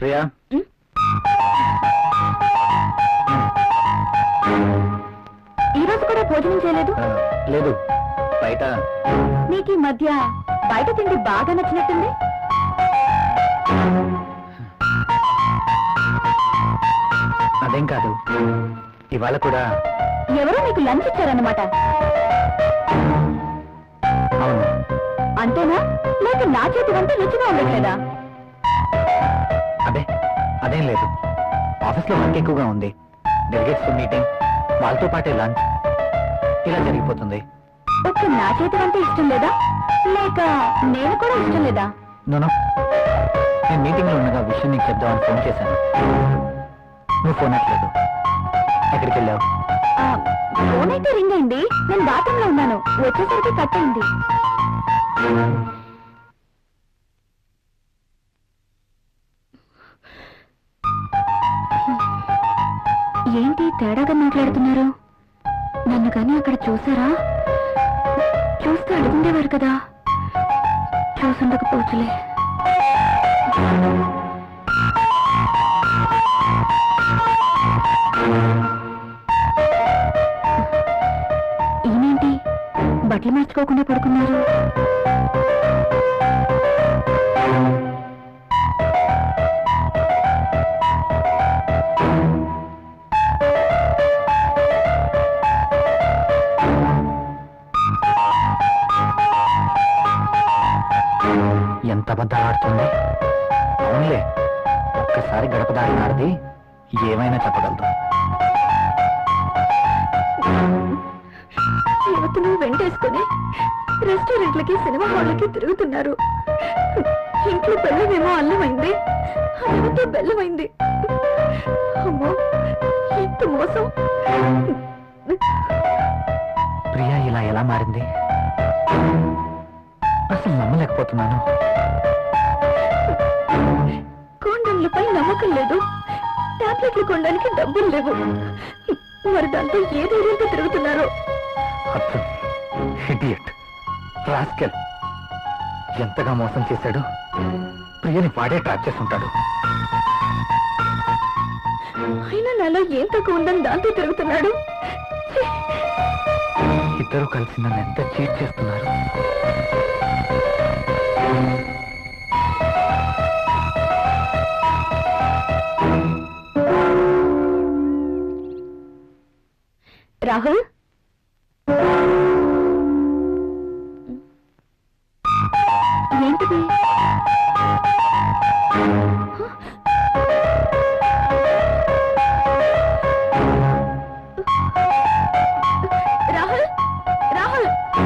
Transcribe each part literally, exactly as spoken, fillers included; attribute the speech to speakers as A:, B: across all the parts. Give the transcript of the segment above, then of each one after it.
A: ప్రియా,
B: ఈ రోజు కూడా భోజనం చేయలేదు?
A: ఆ, లేదు బయట.
B: నీకు ఈ మధ్య బయట తిండి బాగా నచ్చినట్టుంది.
A: అదేం కాదు, ఇవాళ కూడా.
B: ఎవరో నీకు లంచ్ ఇచ్చారన్నమాట.
A: అవును.
B: అంతేనా, లేక నా చేతి వంట రుచిగా ఉండట్లేదా?
A: అదే అదేం లేదు, ఆఫీస్లో వర్క్ ఎక్కువగా ఉంది. డెలిగేట్స్ మీటింగ్, వాళ్ళతో పాటే లంచ్, ఇలా జరిగిపోతుంది.
B: ఒక్క నా చేతి వంట ఇష్టం లేదా, లేక నేను కూడా ఇష్టం లేదా?
A: నోనో, నేను మీటింగ్లో ఉండగా విషయం నీకు చెప్దామని ఫోన్ చేశాను. నువ్వు ఫోన్ అట్లేదు. ఎక్కడికి వెళ్ళావు?
B: ఆ, ఫోన్ అయితే రింగ్ అయింది. నేను బాత్రూంలో ఉన్నాను, వచ్చేసరికి కట్ అయింది. ఏంటి తేడాగా మాట్లాడుతున్నారు? నన్ను కానీ అక్కడ చూసారా? చూస్తే అడుగుండేవారు కదా. చూసుండకపోవచ్చులే. ఈయనేంటి బట్టలు మార్చుకోకుండా పడుకున్నారు?
A: ఎంత అబద్ధాలు ఆడుతుంది. అవునులే, ఒక్కసారి గడప దాటినాడిది ఏమైనా చెప్పగలదు.
B: యువతను వెంటేసుకుని రెస్టారెంట్లకి, సినిమా హాళ్ళకి తిరుగుతున్నారు. ఇంట్లో బెల్లమేమో అల్లమైంది, అల్లతో బెల్లమైంది. అమ్మో, ఎంత మోసం!
A: ప్రియా ఇలా ఎలా మారింది? అసలు నమ్మలేకపోతున్నాను.
B: కోండంలపై నమ్మకం లేదు, టాబ్లెట్లు కొనడానికి డబ్బులు లేవు. మరి దాంతో ఏ ధైర్యంతో తిరుగుతున్నారు?
A: అర్థం ఇడియట్, రాస్కెల్, ఎంతగా మోసం చేశాడు. ప్రియని వాడే ట్రాప్ చేస్తుంటాడు.
B: అయినా నాలో ఏం తక్కువ ఉందని దాంతో తిరుగుతున్నాడు.
A: ఇద్దరు కలిసి నన్ను ఎంత చీట్ చేస్తున్నారు.
B: రాహుల్, ఏంటిది? రాహుల్, రాహుల్,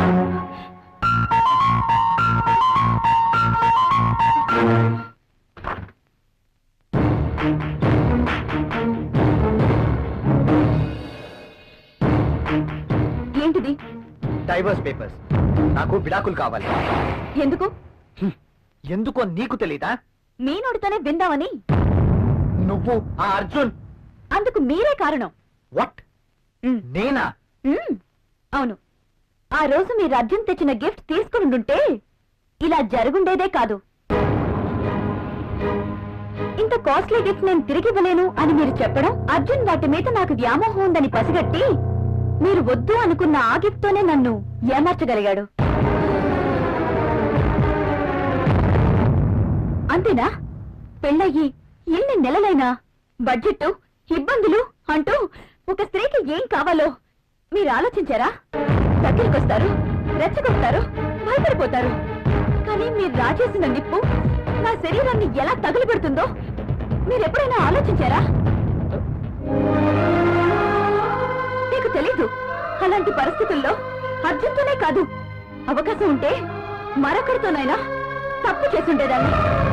B: ఏంటిది?
A: Divorce papers. నాకు విడాకులు కావాలి.
B: ఎందుకు?
A: ఎందుకో నీకు తెలీదా?
B: మీ నోటితోనే విందామని.
A: నువ్వు ఆ అర్జున్.
B: అందుకు మీరే కారణం.
A: వాట్? నేనా?
B: మ్మ్. అవును, ఆ రోజు మీరు అర్జున్ తెచ్చిన గిఫ్ట్ తీసుకుని ఉంటే ఇలా జరుగుండేదే కాదు. ఇంత కాస్ట్లీ గిఫ్ట్ నేను తిరిగి ఇవ్వలేను అని మీరు చెప్పడం, అర్జున్ వాటి మీద నాకు వ్యామోహం ఉందని పసిగట్టి మీరు వద్దు అనుకున్న ఆ గిఫ్ట్ తోనే నన్ను ఏమార్చగలిగాడు. అంతేనా? పెళ్ళయ్యి ఎన్ని నెలలైనా బడ్జెట్, ఇబ్బందులు అంటూ ఒక స్త్రీకి ఏం కావాలో మీరు ఆలోచించారా? దగ్గరికొస్తారు, రెచ్చగొస్తారు, భయపడిపోతారు. కానీ మీరు రాజేసిన నిప్పు నా శరీరాన్ని ఎలా తగులుపెడుతుందో మీరెప్పుడైనా ఆలోచించారా? మీకు తెలీదు. అలాంటి పరిస్థితుల్లో అర్జున్తోనే కాదు, అవకాశం ఉంటే మరొకరితోనైనా తప్పు చేసుండేదాన్ని.